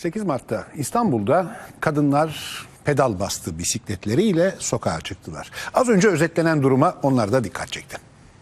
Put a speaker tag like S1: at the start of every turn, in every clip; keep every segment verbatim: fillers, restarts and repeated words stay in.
S1: sekiz Mart'ta İstanbul'da kadınlar pedal bastı bisikletleriyle sokağa çıktılar. Az önce özetlenen duruma onlar da dikkat çekti.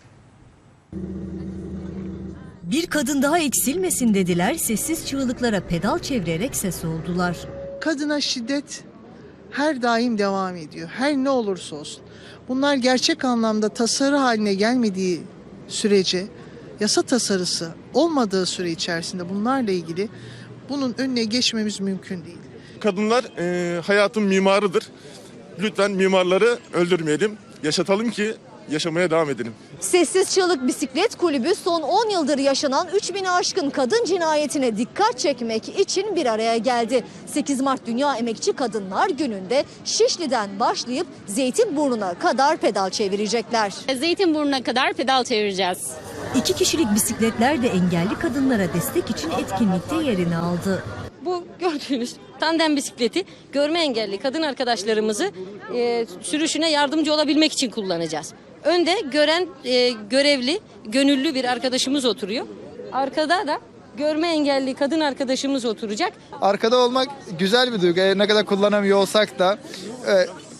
S2: Bir kadın daha eksilmesin dediler, sessiz çığlıklara pedal çevirerek ses oldular.
S3: Kadına şiddet her daim devam ediyor. Her ne olursa olsun. Bunlar gerçek anlamda tasarı haline gelmediği sürece, yasa tasarısı olmadığı süre içerisinde bunlarla ilgili bunun önüne geçmemiz mümkün değil.
S4: Kadınlar e, hayatın mimarıdır. Lütfen mimarları öldürmeyelim, yaşatalım ki yaşamaya devam edelim.
S5: Sessiz Çığlık Bisiklet Kulübü son on yıldır yaşanan üç bini aşkın kadın cinayetine dikkat çekmek için bir araya geldi. sekiz Mart Dünya Emekçi Kadınlar Günü'nde Şişli'den başlayıp Zeytinburnu'na kadar pedal çevirecekler.
S6: Zeytinburnu'na kadar pedal çevireceğiz.
S2: İki kişilik bisikletler de engelli kadınlara destek için etkinlikte yerini aldı.
S6: Bu gördüğünüz tandem bisikleti görme engelli kadın arkadaşlarımızı e, sürüşüne yardımcı olabilmek için kullanacağız. Önde gören e, görevli, gönüllü bir arkadaşımız oturuyor. Arkada da görme engelli kadın arkadaşımız oturacak.
S7: Arkada olmak güzel bir duygu. Ne kadar kullanamıyor olsak da e,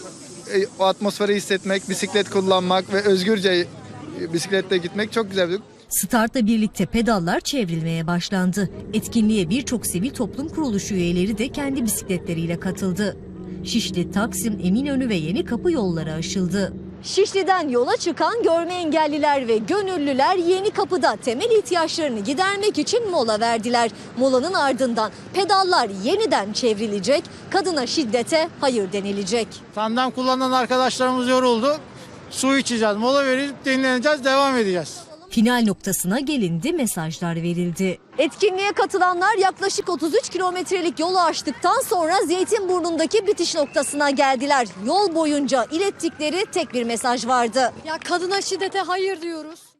S7: e, o atmosferi hissetmek, bisiklet kullanmak ve özgürce e, bisikletle gitmek çok güzel bir duygu.
S2: Startla birlikte pedallar çevrilmeye başlandı. Etkinliğe birçok sivil toplum kuruluşu üyeleri de kendi bisikletleriyle katıldı. Şişli, Taksim, Eminönü ve Yenikapı yolları aşıldı.
S5: Şişli'den yola çıkan görme engelliler ve gönüllüler Yenikapı'da temel ihtiyaçlarını gidermek için mola verdiler. Molanın ardından pedallar yeniden çevrilecek, kadına şiddete hayır denilecek.
S8: Tandem kullanan arkadaşlarımız yoruldu. Su içeceğiz, mola verip dinleneceğiz, devam edeceğiz.
S2: Final noktasına gelindi, mesajlar verildi.
S5: Etkinliğe katılanlar yaklaşık otuz üç kilometrelik yolu aştıktan sonra Zeytinburnu'ndaki bitiş noktasına geldiler. Yol boyunca ilettikleri tek bir mesaj vardı.
S9: Ya kadına şiddete hayır diyoruz.